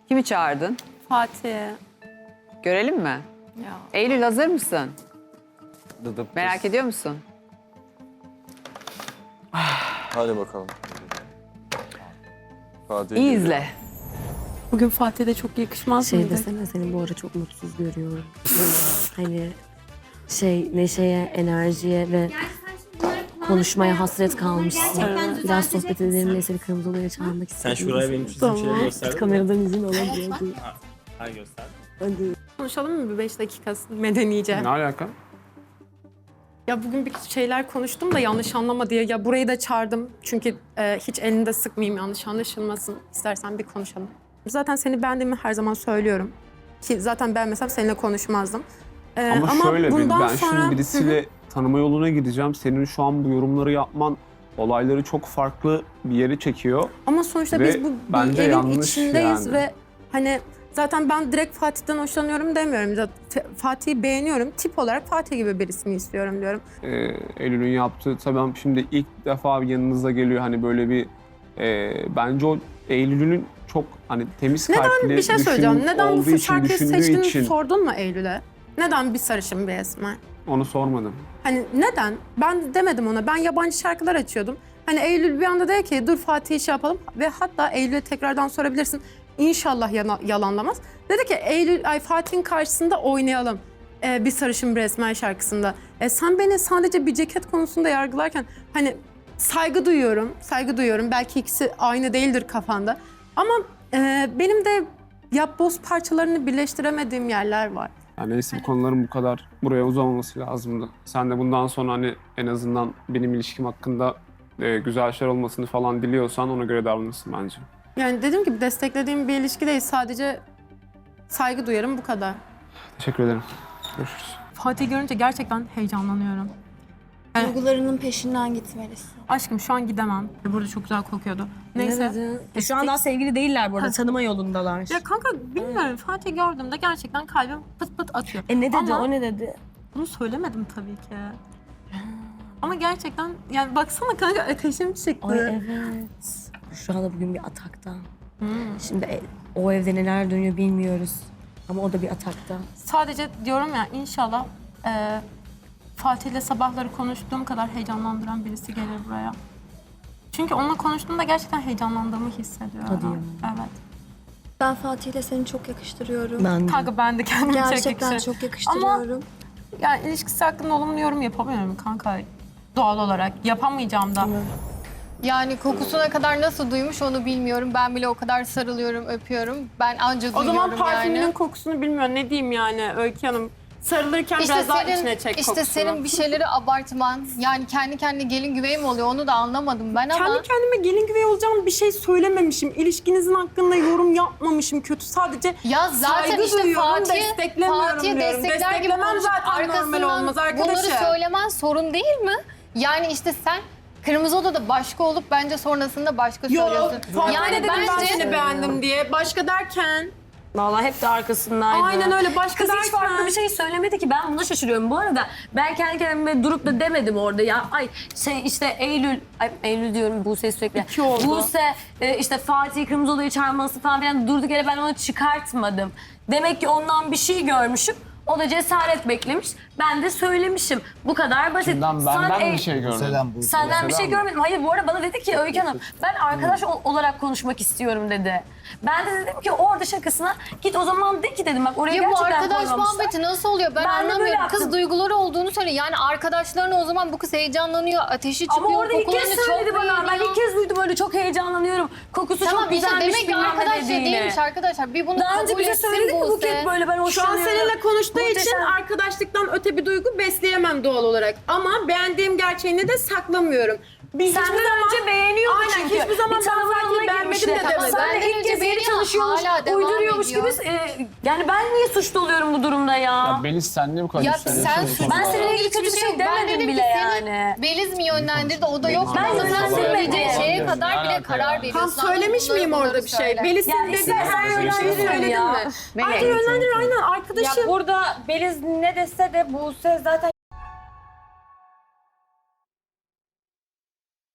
Kimi çağırdın? Fatih. Görelim mi? Ya. Eylül hazır mısın? Dıdıp Merak ediyor musun? Hadi bakalım. Fatih İyi geliyor. izle. Bugün Fatih'e de çok yakışmaz Şey mıydı? desene seni bu ara çok mutsuz görüyorum. Hani neşeye, enerjiye ve konuşmaya hasret kalmışsın. Biraz sohbet edelim diye seni kırmızı odaya çağırmak Sen istedim. şuraya benim çizdiğim şeyleri gösterdin mi? Kameradan izin alabiliyordu. Ha göster. Hadi. Konuşalım mı bir 5 dakika medenice? Ne alaka? Ya bugün bir şeyler konuştum da yanlış anlama diye. Ya burayı da çağırdım. Çünkü hiç elini de sıkmayayım, yanlış anlaşılmasın. İstersen bir konuşalım. Zaten seni beğendiğimi her zaman söylüyorum. Ki zaten beğenmesem seninle konuşmazdım. Ama şöyle bundan ben sonra... şimdi birisiyle tanıma yoluna gideceğim. Senin şu an bu yorumları yapman olayları çok farklı bir yere çekiyor. Ama sonuçta Ve biz bu bence bir evin yanlış içindeyiz yani. ve hani zaten ben direkt Fatih'ten hoşlanıyorum demiyorum. Zaten Fatih'i beğeniyorum. Tip olarak Fatih gibi birisini istiyorum diyorum. Eylül'ün yaptığı tabii şimdi ilk defa yanınıza geliyor hani böyle bir bence o Eylül'ün çok hani temiz kalpli Bir şey söyleyeceğim. Neden olduğu bu için şarkıyı düşündüğü seçtiğini için sordun mu Eylül'e? Neden bir sarışın bir esmer? onu sormadım. Hani neden? Ben demedim ona. Ben yabancı şarkılar açıyordum. Hani Eylül bir anda dedi ki dur Fatih'i şey yapalım ve hatta Eylül'e tekrardan sorabilirsin. İnşallah yalanlamaz. Dedi ki Fatih'in karşısında oynayalım. Bir sarışın bir esmer şarkısında. Sen beni sadece bir ceket konusunda yargılarken hani saygı duyuyorum. Belki ikisi aynı değildir kafanda. Ama benim de yapboz parçalarını birleştiremediğim yerler var. Yani neyse bu konuların bu kadar buraya uzamaması lazımdı. Sen de bundan sonra hani en azından benim ilişkim hakkında güzel şeyler olmasını falan diliyorsan ona göre davranırsın bence. Yani dediğim gibi desteklediğim bir ilişki değil. Sadece saygı duyarım bu kadar. Teşekkür ederim. Görüşürüz. Fatih görünce gerçekten heyecanlanıyorum. Duygularının peşinden gitmelisin. Aşkım şu an gidemem. Burada çok güzel kokuyordu. Neyse. Ne dedin? Şu an daha sevgili değiller bu arada. Tanıma yolundalar. Ya kanka bilmiyorum. Fatih gördüğümde gerçekten kalbim pıt pıt atıyor. Ne dedi? Ama O ne dedi? bunu söylemedim tabii ki. Ama gerçekten yani baksana kanka ateşim çıktı. Ay evet. Şu anda bugün bir atakta. Şimdi o evde neler dönüyor bilmiyoruz. Ama o da bir atakta. Sadece diyorum ya inşallah Fatih'le sabahları konuştuğum kadar heyecanlandıran birisi gelir buraya. Çünkü onunla konuştuğumda gerçekten heyecanlandığımı hissediyorum. Hadi ya. Evet. Ben Fatih'le seni çok yakıştırıyorum. Ben de. Kanka ben de kendimi Gerçekten çok yakıştırıyorum. Yani ilişkisi hakkında olumlu yorum yapamıyorum kanka. Doğal olarak yapamayacağım da. Yani kokusuna kadar nasıl duymuş onu bilmiyorum. Ben bile o kadar sarılıyorum, öpüyorum. Ben anca O duyuyorum zaman parfümünün yani. kokusunu bilmiyorum. Ne diyeyim yani Öykü Hanım? Sarılırken biraz daha içine çek işte kokusunu. senin bir şeyleri abartman. Yani kendi kendine gelin güvey mi oluyor onu da anlamadım ben ama. Kendi kendime gelin güvey olacağım bir şey söylememişim. İlişkinizin hakkında yorum yapmamışım kötü. Sadece Ya zaten saygı işte duyuyorum, Fatih, desteklemiyorum Fatih'e diyorum. destekler gibi Desteklemem konuşup zaten normal arkasından olmaz bunları arkadaşım. söylemen sorun değil mi? Yani işte sen Kırmızı Oda'da başka olup bence sonrasında başka Yok, söylüyorsun. Fatih Yani dedim ben bence seni beğendim diye. Başka derken. Vallahi hep de arkasındaydı. Aynen öyle başka Kız derken. hiç farklı bir şey söylemedi ki. Ben buna şaşırıyorum. Bu arada ben kendi kendime durup da demedim orada ya. Ay işte Eylül diyorum Buse sürekli. İki oldu. Buse işte Fatih Kırmızı Oda'yı çağırması falan filan durduk yere ben onu çıkartmadım. Demek ki ondan bir şey görmüşüm. O da cesaret beklemiş. Ben de söylemişim. Bu kadar basit. Benden bir şey görmedim. Senden bir şey görmedim. Hayır bu arada bana dedi ki Öykü Hanım ben arkadaş olarak konuşmak istiyorum dedi. Ben de dedim ki orada şakasına git o zaman de ki dedim bak oraya Ya bu gerçekten arkadaş koymamışlar. muhabbeti nasıl oluyor? Ben Ben de böyle anlamıyorum. yaptım. Kız duyguları olduğunu söylüyor. Yani arkadaşlarına o zaman bu kız heyecanlanıyor, ateşi çıkıyor, Ama orada ilk kez kokularını söyledi çok bana. Ben beğeniyor. ilk kez duydum öyle çok heyecanlanıyorum. Kokusu Tamam çok işte güzelmiş demek ki bilmem ne arkadaşça dediğini. değilmiş arkadaşlar. Bir bunu Daha önce kabul bize etsin söyledi mi Buse. Buket böyle ben Şu an hoşlanıyorum. seninle konuştuğu için Muhteşem. arkadaşlıktan öte bir duygu besleyemem doğal olarak. Ama beğendiğim gerçeğini de saklamıyorum. Biz Sen hiçbir de önce zaman beğeniyordun Aynen, çünkü. hiçbir zaman Bir ben tanıma Fatih'i yoluna beğenmedim girmişler. de Tamam, demedim. Sen de benden ilk önce kez yeni beğeniyor, çalışıyormuş, hala devam uyduruyormuş ediyor. gibi. Yani ben niye suçlu oluyorum bu durumda ya? Ya Beliz sen niye bu kadar Ya hissediyorsun? sen bu konuda? Ben seninle ilgili kötü bir Hiçbir şey yok. Ben demedim dedim bile ki seni yani. Beliz mi yönlendirdi o da yok. Ben Ama sen yönlendirmedim. söyleyeceğin şeye Ne kadar bile alaka karar yani? veriyorsun. Tam söylemiş miyim orada bir şey? Beliz Ya dedi istersen her yönlendirir yönlendirin söyledin ya. mi? Ayrıca yönlendirir aynen arkadaşım. Ya burada Beliz ne dese de Buse zaten